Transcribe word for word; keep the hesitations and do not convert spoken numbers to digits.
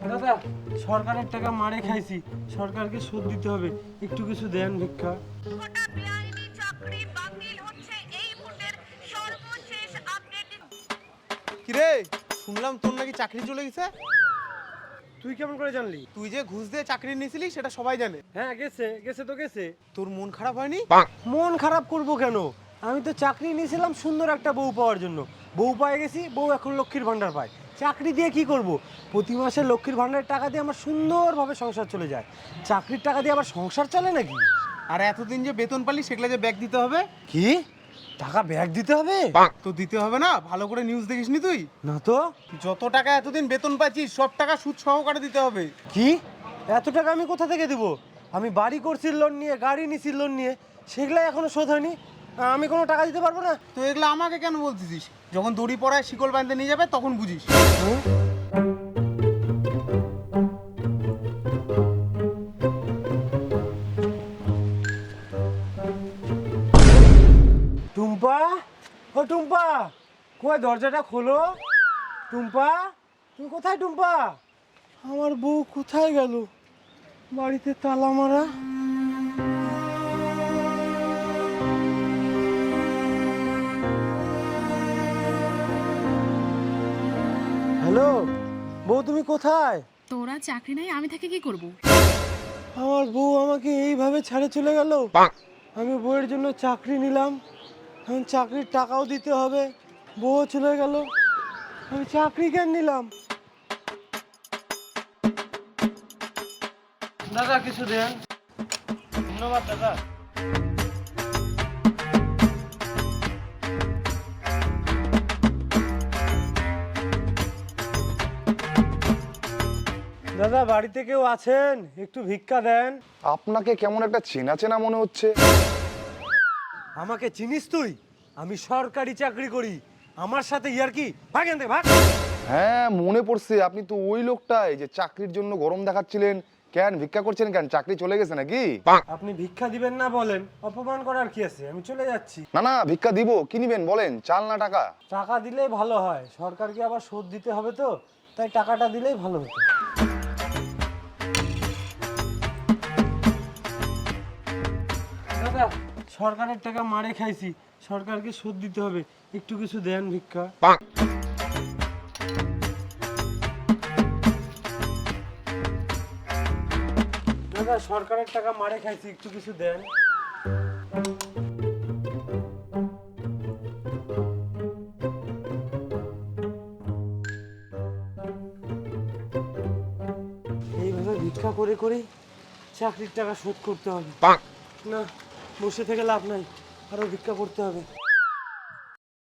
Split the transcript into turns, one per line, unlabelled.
দাদা সরকারের টাকা মারে খাইছি, সরকারকে শোধ দিতে হবে, একটু কিছু দেন ভিক্ষা।
গোটা বেআইনি চাকরি বাতিল হচ্ছে এই মুহূর্তের সর্বশেষ আপডেট।
কিরে শুনলাম তোর নাকি চাকরি চলে গেছে।
তুই কেমন করে জানলি?
তুই যে ঘুষ দিয়ে চাকরি নিয়েছিলি সেটা সবাই জানে।
হ্যাঁ গেছে গেছে তো গেছে।
তোর মন খারাপ হয়নি?
মন খারাপ করব কেন? আমি তো চাকরি নিয়েছিলাম সুন্দর একটা বউ পাওয়ার জন্য। বউ পেয়ে গেছি, বউ এখন লক্ষ্মীর ভান্ডার পায়। চাকরি দিয়ে কি করব? প্রতি মাসে লক্ষ্মীর ভান্ডারের টাকা দিয়ে আমার সুন্দরভাবে সংসার চলে যায়। চাকরির টাকা দিয়ে আবার সংসার চলে নাকি?
আর এতদিন যে বেতন পালি সেগুলো যে ব্যাগ দিতে হবে।
কি টাকা ব্যাগ দিতে হবে?
তো দিতে হবে না? ভালো করে নিউজ দেখিসনি তুই?
না তো।
যত টাকা এতদিন বেতন পাচ্ছিস সব টাকা সুদ সহকারে দিতে হবে।
কি এত টাকা আমি কোথা থেকে দিব? আমি বাড়ি করছি লোন নিয়ে, গাড়ি নিছি লোন নিয়ে, সেগুলো এখনো শোধ হয়নি। আমি কোনো টাকা দিতে পারবো না।
তো এগুলো আমাকে কেন বলতেছিস? যখন দড়ি পড়ায় শিকল বাঁধতে নিয়ে যাবে তখন বুঝিস।
টুম্পা, ও টুম্পা, কই দরজাটা খোলো। টুম্পা, তুমি কোথায়? টুম্পা, আমার বউ কোথায় গেল? বাড়িতে তালা মারা। হ্যালো বউ, তুমি কোথায়?
তোরা চাকরি নাই, আমি থেকে কি করব?
আমার বউ আমাকে এইভাবে ছেড়ে চলে গেল। আমি বউয়ের জন্য চাকরি নিলাম, এখন চাকরির টাকাও দিতে হবে, বউ চলে গেল, আমি চাকরি কেন নিলাম? দাদা কিছু দেন। ধন্যবাদ দাদা। দাদা বাড়িতে কেউ আছেন? একটু ভিক্ষা দেন।
আপনাকে কেমন একটা চেনা চেনা মনে হচ্ছে।
আমাকে চিনিস তুই? আমি সরকারি চাকরি করি, আমার সাথে ইয়ার কি? ভাগ এখান থেকে, ভাগ।
হ্যাঁ মনে পড়ছে, আপনি তো ওই লোকটাই যে চাকরির জন্য গরম দেখাচ্ছিলেন। কেন ভিক্ষা করছেন কেন? চাকরি চলে গেছে নাকি?
আপনি ভিক্ষা দিবেন না বলেন, অপমান করার কি আছে? আমি চলে যাচ্ছি।
না না ভিক্ষা দিব, কি নিবেন বলেন? চাল না টাকা?
টাকা দিলেই ভালো হয়, সরকারকে আবার শোধ দিতে হবে তো, তাই টাকাটা দিলেই ভালো হতো। দাদা সরকারের টাকা মারে খাইছি, সরকারকে শোধ দিতে হবে, একটু কিছু দেন ভিক্ষা। দাদা সরকারের টাকা মারে খাইছি, একটু কিছু দেন। এইভাবে ভিক্ষা করে করে চাকরির টাকা শোধ করতে হবে। না, বসে থেকে লাভ নাই, আরো ভিক্ষা করতে হবে।